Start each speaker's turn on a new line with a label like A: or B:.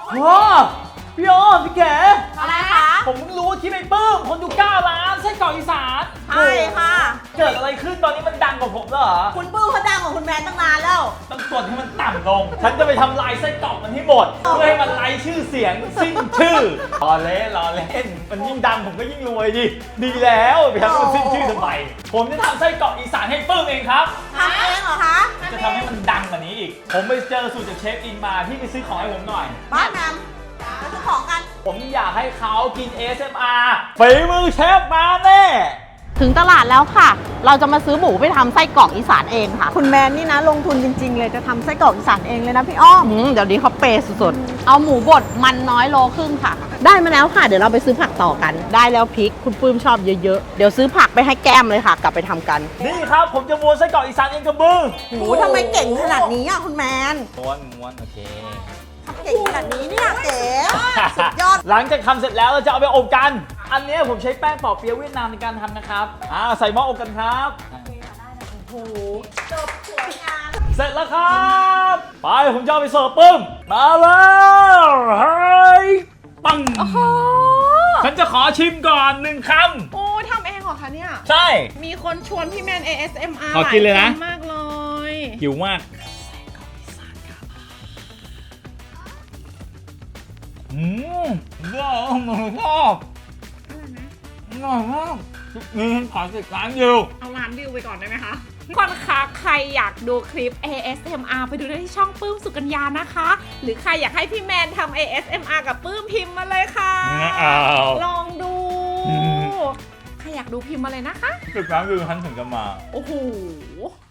A: ว้าพี่อ้อมพี่แก
B: อะไรคะ
A: ผมเพิ่งรู้ว่าที่ไปปื้มคนดู9 ล้านไส้กรอกอีสาน
B: ใช่ค่ะ
A: เกิดอะไรขึ้นตอนนี้มันดังกว่าผมแล้วเหรอ
B: คุณปื้มเขาดังกว่าคุณแมนตั้งนานแล้ว
A: ต้องกดให้มันต่ำลง ฉันจะไปทำลายไส้กรอกมันให้หมด เพื่อให้มันไร้ชื่อเสียงสิ้นชื่อรอเล่น มันยิ่งดังผมก็ยิ่งรวยดิ ดีแล้วไปทำให้มันสิ้นชื่อทำไม ผมจะทำไส้กรอกอีสานให้ปื้มเองครับ
B: ทำเองเหรอคะ
A: จะทำให้มันดังกว่านี้อีก ผมไปเจอสูตรจากเชฟอินมาพี่ไปซื้อของให้ผมหน่อย
B: บ้านแมมไปซื้อของกัน
A: ผมอยากให้เขากิน ASMR ฝีมือเชฟมาแน่
C: ถึงตลาดแล้วค่ะ เราจะมาซื้อหมูไปทำไส้กรอกอีสานเองค่ะ
D: คุณแมนนี่นะลงทุนจริงๆเลยจะทำไส้กรอกอีสานเองเลยนะพี่อ้อม
C: เดี๋ยวนี้เขาเปย์สุดๆ เอาหมูบดมันน้อยโลครึ่งค่ะ ได้มาแล้วค่ะ เดี๋ยวเราไปซื้อผักต่อกัน ได้แล้วพริกคุณปื้มชอบเยอะๆ เดี๋ยวซื้อผักไปให้แก้มเลยค่ะ กลับไปทำกัน
A: นี่ครับผมจะม้วนไส้กรอกอีสานเองกับมือ
B: โหทำไมเก่งขนาดนี้อ่ะคุณแมน
A: ม้วนโอเค
B: ทำเก่งขนาดนี้เนี่ยเก๋สุดยอด
A: หลังจากทำเสร็จแล้วเราจะเอาไปอบกัน อันนี้ผมใช้แป้งปอเปี๊ยะเวียดนามในการทำนะครับใส่หม้ออบกันครับ
B: โอ้โหจบสวยงาม
A: เสร็จแล้วครับ ไปผมจะเอาไปเสิร์ฟปึ้ม มาแล้วเฮ้ยปัง
C: โอ้โห
A: ฉันจะขอชิมก่อน1 ค
E: โอ้ทำเองเหรอคะเนี่ย
A: ำใช่
E: มีคนชวนพี่แมน ASMR
A: ขอกินเลยนะ
E: หาคมากเลย
A: หิวมากชอบอร่อยมากมีขอติดร้านอยู่
E: เอาร้านวิวไปก่อนได้ไหมคะทุกคนคะใครอยากดูคลิป ASMR ไปดูได้ที่ช่องปื้มสุกัญญานะคะ หรือใครอยากให้พี่แมนทำ ASMR กับปื้มพิมพ์มาเลยค่ะ
A: ไม่เอา
E: ลองดู
A: อืม
E: ใครอยากดูพิมพ์มาเลยนะคะ
A: ติดร้านอยู่ฉันถึงจะมา
E: โอ้โห